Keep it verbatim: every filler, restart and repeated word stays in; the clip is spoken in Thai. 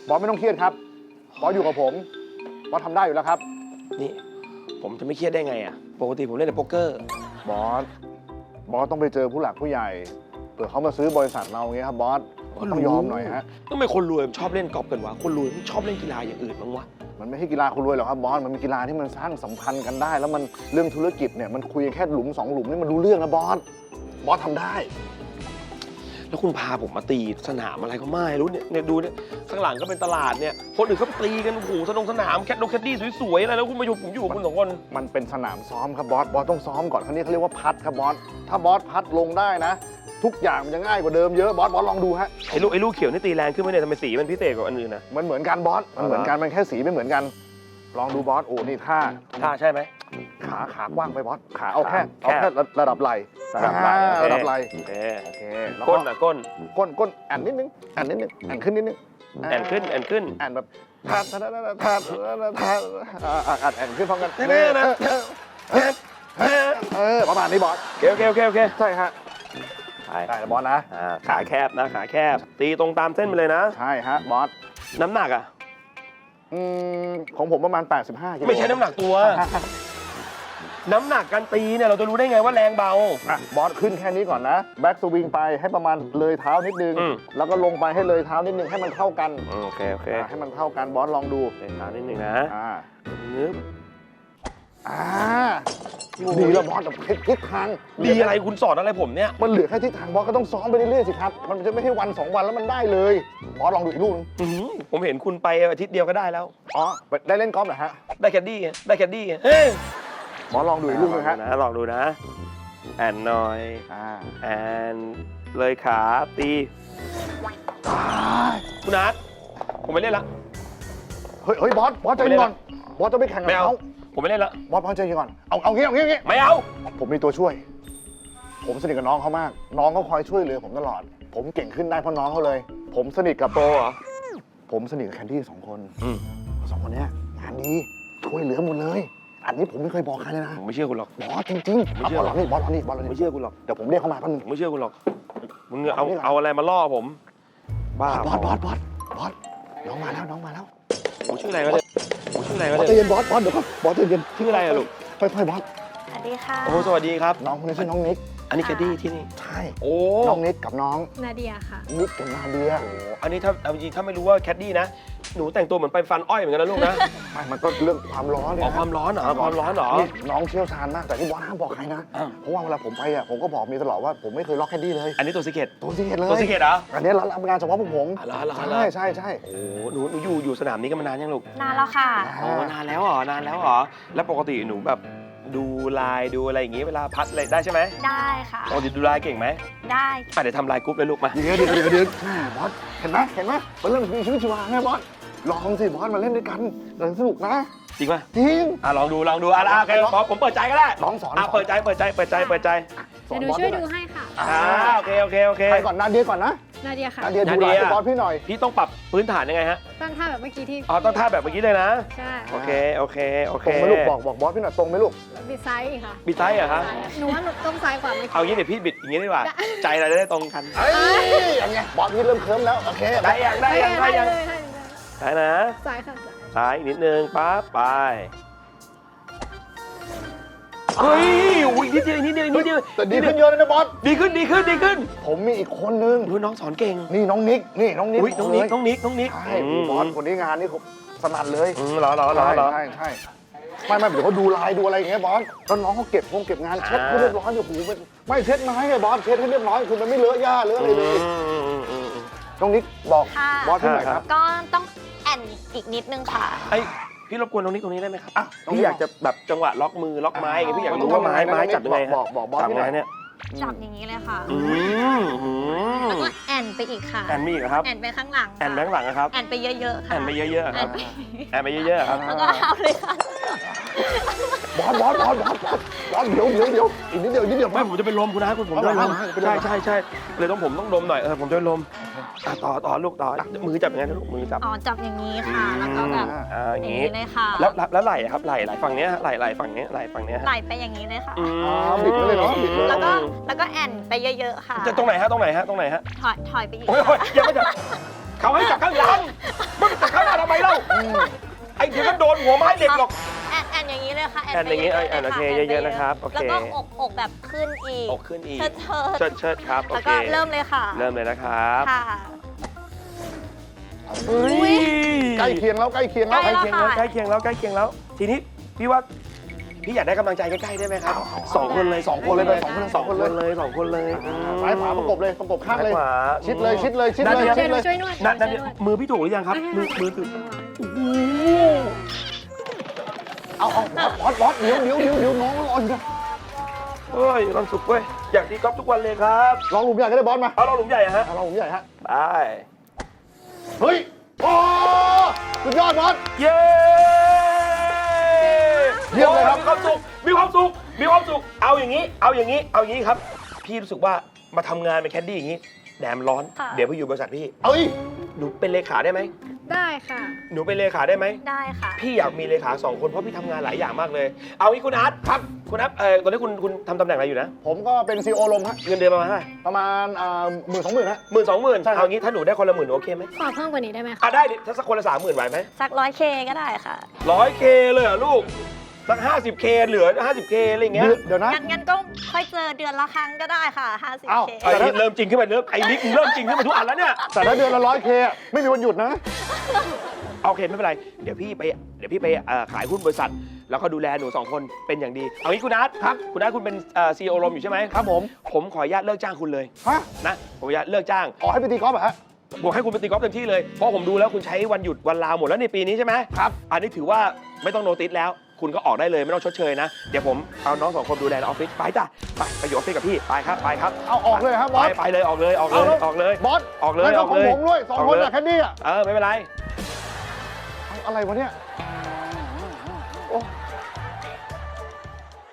บอสไม่ต้องเครียดครับบอสอยู่กับผมบอสทำได้อยู่แล้วครับนี่ผมจะไม่เครียดได้ไงอ่ะปกติผมเล่นแต่โป๊กเกอร์บอสบอสต้องไปเจอผู้หลักผู้ใหญ่เผื่อเขามาซื้อบริษัทเราอย่างเงี้ยครับบอสต้องยอมหน่อยฮะทำไมคนรวยชอบเล่นกอล์ฟกันวะคนรวยชอบเล่นกีฬาอย่างอื่นบ้างวะมันไม่ใช่กีฬาคนรวยหรอกครับบอสมันเป็นกีฬาที่มันสร้างสัมพันธ์กันได้ แล้วมันเรื่องธุรกิจเนี่ยมันคุยแค่หลุมสองหลุมนี่มันรู้เรื่องนะบอสบอสทำได้แล้วคุณพาผมมาตีสนามอะไรก็ไม่รู้เนี่ยเนี่ยดูเนี่ยข้างหลังก็เป็นตลาดเนี่ยคนอื่นเขาตีกันโอ้โหสนงสนามแคทดงแคดดี้สวยๆอะไรแล้วคุณมาอยู่ผมอยู่กับคุณสองคนมันเป็นสนามซ้อมครับบอสบอสต้องซ้อมก่อนครั้นี้เขาเรียกว่าพัดครับบอสถ้าบอสพัดลงได้นะ ทุกอย่างมันจะง่ายกว่าเดิมเยอะบอสบอสลองดูฮะไอ้ลูกไอ้ลูกเขียวนี่ตีแรงขึ้นไหมเนี่ยทำไมสีมันพิเศษกว่าอันอื่นนะมันเหมือนกันบอสมันเหมือนกันมันแค่สีไม่เหมือนกัน ลองดูบอสโอ้นี่ท่าท่าใช่ไหมขาขากว้างไปบอสขาเอาแค่แคบเอาแค่ระดับไหล่ระดับไหล่อ่าระดับไหล่โอเคโอเคแล้วก้นอ่ะก้นก้นก้นแอนนิดนึงแอนนิดนึงแอนขึ้นนิดนึงแอนขึ้นแอนขึ้นแอนแบบทาดทาดทาดทาดทาดอ่าอ่านแอนขึ้นพร้อมกันแน่ๆนะเออประมาณนี้บอสโอเคโอเคโอเคใช่ฮะไปได้แล้วบอสนะอ่าขาแคบนะขาแคบ ตีตรงตามเส้นไปเลยนะใช่ฮะบอสน้ำหนักอ่ะอืมของผมประมาณแปดสิบห้ากิโลไม่ใช่น้ำหนักตัว น้ำหนักการตีเนี่ยเราจะรู้ได้ไงว่าแรงเบาอ่ะบอสขึ้นแค่นี้ก่อนนะแบ็กสวิงไปให้ประมาณเลยเท้านิดนึงอืมแล้วก็ลงไปให้เลยเท้านิดนึงให้มันเท่ากันโอเคโอเคอ่ะให้มันเท่ากันบอสลองดูเล่นขานิดนึงนะอ่านึบอ่าดีแล้วบอสแต่ทิศทางดีอะไรคุณสอนอะไรผมเนี่ยมันเหลือแค่ทิศทางบอสก็ต้องซ้อมไปเรื่อยๆสิครับมันจะไม่ใช่วันสองวันแล้วมันได้เลยบอสลองดูอีกลูกนึงอื้อหือผมเห็นคุณไปอาทิตย์เดียวก็ได้แล้วอ๋อได้เล่นกอล์ฟเหรอฮะได้แคดดี้ไงได้แคดดี้ไงเฮ้ยบอสลองดูอีกลูกนึงฮะนะลองดูนะ แอนหน่อยอ่าแอนเลยขาตีคุณนัทผมไม่เล่นละเฮ้ยเฮ้ยบอสบอสใจเย็นก่อนบอสจะไปแข่งกับไม่เอาเขาผมไม่เล่นละบอสบอสใจเย็นก่อนเอาเอางี้เอางี้เอางี้ไม่เอาผมมีตัวช่วย ผมสนิทกับน้องเขามาก น้องเขาคอยช่วยเหลือผมตลอด ผมเก่งขึ้นได้เพราะน้องเขาเลย ผมสนิทกับโตเหรอผมสนิทกับแคนดี้สองคนอืมสองคนเนี้ยงานดีช่วยเหลือหมดเลย อันนี้ผมไม่เคยบอกใครเลยนะผมไม่เชื่อคุณหรอกบอสจริงๆไม่เอาเชื่บออสลองนี่บอสลองนี่บอสลองผมไม่นี่เชื่อคุณหรอกเดี๋ยวผมเรียกเขามาแป๊บนึงผมไม่เชื่อคุณหรอกมึงเอาเอาอะไรมาล่อผมบ้าบอสบอสบอสบอสน้องมาแล้วน้องมาแล้วผมชื่ออะไรวะเนี่ยผมชื่ออะไรวะบอสใจเนี่ยเย็นบอสบอสเดี๋ยวก่อนบอสใจเย็นชื่ออะไรอะลูกค่อยๆบอสสวัสดีค่ะโอ้สวัสดีครับน้องคนนี้ชื่อน้องนิกอันนี้แคดดี้ที่นี่ใช่โอ้น้องนิกกับน้องนาเดียค่ะนิกกับนาเดียอันนี้ถ้าเอาจริงๆถ้าไม่รู้ว่าแคดดี้นะหนูแต่งตัวเหมือนไปฟันอ้อยเหมือนกันนะลูกนะไม่มันก็เรื่องความร้อนเนี่ยอ๋อความร้อนเหรอความร้อนเหรอนี่น้องเชี่ยวชาญมากแต่ที่บอสห้ามบอกใครนะอ้าวเพราะว่าเวลาผมไปอ่ะผมก็บอกเมียตลอดว่าผมไม่เคยล็อกแคนดี้เลยอันนี้ตัวสิเกตตัวซีเกตเลยตัวสิเกตเหรออันนี้รับงานเฉพาะพวกผมอ๋อเหรอเหรอเหรอใช่ใช่ใช่โอ้หนูหนูอยู่อยู่สนามนี้กันมานานยังลูกนานแล้วค่ะโอ้นานแล้วเหรอนานแล้วเหรอแล้วปกติหนูแบบดูลายดูอะไรอย่างงี้เวลาพัดอะไรได้ใช่ไหมได้ค่ะปกติดูลายเก่งไหมได้อ่ะเดี๋ยวทำลายกรุ๊ปเลยลูกมาเดี๋ยวเดี๋ยวเดี๋ยวเดี๋ยวแม่บอสเห็นไหมเห็นไหมมันเรื่องมีชีวิตชีวาไงบอสลองสิบอสมาเล่นด้วยกันเดี๋ยวสนุกนะจริงป่ะจริงอ่ะลองดูลองดูอ่ะอ่ะโอเคขอผมเปิดใจก็ได้น้องสอนอ่ะเปิดใจเปิดใจเปิดใจเปิดใจสอนเดี๋ยวหนูบอสช่วยหน่ดูอยให้ค่ะอ่าโอเคโอเคโอเคใครก่อนนาเดียก่อนนะนาเดียค่ะนาเดียดูลายให้บอสพี่หน่อยพี่ต้องปรับพื้นฐานยังไงฮะตั้งท่าแบบเมื่อกี้ที่อ๋อต้องท่าแบบเมื่อกี้เลยนะใช่โอเคโอเคโอเคตรงไหมลูกบอกบอกบอสพี่หน่อยตรงไหมลูกบิดซ้ายอีกค่ะบิดซ้ายเหรอฮะซ้ายหนูว่าหนูต้องซ้ายกว่าเมื่อเอากี้งี้เดี๋ยวพี่บิดอย่างงี้ดีกว่า ใจเราจะได้ตรงกันเอ้ยอย่างเงี้ยบอสพี่เริ่มเคลิ้มแล้วโอเคได้ยังได้ยังได้ยังเลยได้ได้นะซ้ายค่ะซ้ายซ้ายอีกนิดนึงปั๊บไปเฮ้ยอุ้ยนิดเดียวนิดเดียวนิดเดียวแต่ดีขึ้นเยอะเลยนะบอสดีขึ้นดีขึ้นดีขึ้นผมมีอีกคนนึงดูน้องสอนเก่งนี่น้องนิกนี่น้องนิกอุ้ยน้องนิกเลยน้องนิกน้องนิกใช่บอสคนนี้งานนี่เขาสนั่นเลยอืมเหรอเหรอเหรอเหรอใช่ใช่ไม่ไม่เดี๋ยวเขาดูลายดูอะไรอย่างเงี้ยบอสแล้วน้องเขาเก็บพงเก็บงานเช็ดให้เรียบร้อยอยู่หูเป็นไม่เช็ดไม้ไงบอสเช็ดให้เรียบร้อยคือมันไม่เลอะหญ้าเลอะอะไรเลยอืมอืมอืมอืมน้องนิกบอกค่ะบอสพี่หน่อยครับก็ต้องแอนอีกนิดนึงค่ะไอพี่รบกวนน้องนิกตรงนี้ได้ไหมครับอ่ะน้องนิกพี่อยากจะแบบจังหวะล็อกมือล็อกไม้อย่างเงี้ยพี่อยากรู้ว่าไม้ไม้จับยังไงฮะบอกบอกบอสจับพี่ยังหน่ไงอยเนี่ยจับอย่างนี้เลยค่ะอืมอืมแล้วก็แอนไปอีกค่ะแอนมีอีกเหรอครับแอนไปข้างหลังค่ะแอนแบงค์หลังนะครับแอนไปเยอะๆค่ะแอนไปเยอะๆคแอรับนไปแอนไปเยอะๆครับแล้วก็เอาเลยค่ะบอสบอสบอสบอสบอสบอสเดี๋ยวเดี๋ยวเดี๋ยวอีกนิดเดียวอีกนิดเดียวไม่ผมจะเป็นลมคุณนะคุณผมจะเป็นลมเอาเอาเอาใช่ใช่ใช่เลยต้องผมต้องดมหน่อยเออผมจะเป็นลมอ่ะต่อต่อลูกต่อมือจับยังไงนะลูกมือจับอ๋อจับอย่างนี้ค่ะ แล้วก็แบบอ่าออย่าย่าง งงี้นี้เลยค่ะแล้วแล้วแล้วไหล่อะครับไหล่ไหล่ฝั่งเนี้ยฮะไหล่ไหล่ฝั่งเนี้ยไหล่ฝั่งเนี้ยฮะไหลไปอย่างนี้เลยค่ะอืมอ๋อบิดไปเลยเนาะบิดเลยแล้วก็แล้วก็แอนไปเยอะๆค่ะจะตรงไหนฮะตรงไหนฮะตรงไหนฮะถอยถอยไปอีกโอ้ยโอ้ยค่ะอย่ามาจับเขาให้จับข้างหลังมันจับำไมเล่าไอ้เดี๋ยวก็โดนหัวไม้เด็กหรอกแอนแอนอย่างนี้เลยค่ะแอนอย่างนี้ไปแอนโอเคลเยอะๆนะครับโอเคแล้วก็อกอกแบบขึ้นอีกอกขึ้นอีกเชิดเชิดเชิดครับโอแล้วเคก็เริ่มเลยค่ะเริ่มเลยนะครับค่ะเฮ้ยใกล้เคียงแล้วใกล้เคียงแล้วใกล้ใกล้เคียงแล้วใกล้เคียงแล้วใกล้เคียงแล้ว ทีนี้พี่ว่าพี่อยากได้กำลังใจใกล้ๆได้ไหมครับสองคนเลยสองคนเลยสองคนเลยสองคนเลยสองคนเลยซ้ายขวาประกบเลยประกบข้างเลยซ้ขวาชิดเลยชิดเลยชิดเลยนั่นชินี่ดเลยช่วยนวดนั่นนั่นช่วยนวดมือพี่ถูกหรือยังครับมือมือถูกโอ้โหเอาเอาบอสบอสเดี๋ยวเดี๋ยวเดี๋ยวเดี๋ยวน้องรออยู่นะเฮ้ยมีความสุขเว้ยอยากตีกอล์ฟทุกวันเลยครับลองหลุมใหญ่ก็ได้บอสมาเอาเราหลุมใหญ่อะฮะเอาลองหลุมใหญ่ฮะไปเฮ้ยโอ้สุดยอดบอสเย้เยี่ยมเลยครับมีความสุขมีความสุขมีความสุขเอาอย่างนี้ เอาอย่างนี้เอาอย่างนี้ครับ พี่รู้สึกว่ามาทำงานเป็นแคดดี้อย่างนี้แดดมร้อนค่ะเดี๋ยวพี่อยู่บริษัทพี่เอ้ยหนูเป็นเลขาได้ไหมได้ค่ะหนูเป็นเลขาได้ไหมได้ค่ะพี่อยากมีเลขาสองคนเพราะพี่ทำงานหลายอย่างมากเลย เอางี้คุณอาร์ตครับคุณอาร์ตเออตอนนี้คุณคุณทำตำแหน่งอะไรอยู่นะผมก็เป็นซีโอลมฮะเงินเดือนประมาณเท่าไหร่ประมาณอ่าหมื่นสองหมื่นฮะหมื่นสองหมื่นใช่ครับเอางี้ถ้าหนูได้คนละหมื่นโอเคไหมขอเพิ่มกว่านี้ได้ไหมคะอ่ะได้ดิถ้าสักคนละสามหมื่นไหวไหมสักร้อยเคก็ได้ค่ะร้อยเคเลยเหรอลูกสักห้าสิบเคเหลือห้าสิบเคอะไรอย่างเงี้ยเดี๋ยวเดี๋ยวนะงั้นงั้นก็ค่อยเจอเดือนละครั้งก็ได้ค่ะห้าสิบอ้าวเคไอ้นี่เริ่มจริงขึ้นไปเริ่มไอ้นี่เริ่มจริงขึ้นมาทุกอันแล้วเนี่ยแต่ถ้าเดือนละร้อยเคไม่มีวันหยุดนะโอเคไม่เป็นไรเดี๋ยวพี่ไปเดี๋ยวพี่ไปเอ่อขายหุ้นบริษัท แล้วก็ดูแลหนูสองคนเป็นอย่างดีเอางี้คุณอาร์ตครับคุณอาร์ตคุณเป็นซีอีโอลมอยู่ใช่ไหมครับผมผมขออนุญาตเลิกจ้างคุณเลยฮะนะผมขออนุญาตเลิกจ้างอ๋อให้ไปตีกอล์ฟเหรอฮะบอกให้คุณไปตีกอล์ฟเต็มที่เลยเพราะผมดูแล้วคุณใช้วันหยุดวันลาหมดแล้วในปีนี้ใช่ไหมครับอันนี้ถือว่าไม่ต้องโนติสแล้ว คุณก็ออกได้เลยไม่ต้องชดเชยนะ เดี๋ยวผมเอาน้องสองคนดูแลในออฟฟิศไปจ้ะไปไปอยู่ออฟฟิศกับพี่ไปครับไปครับเอาออกเลยครับบอไปสไปเลยออกเลยออกเลยเอาแล้วออกเลยบอสออกเลยงั้นอก็อกของเลยผมด้วยสองคนอะแค่นี้อะเออไม่เป็นไรเอาอะไรวะเนี่ย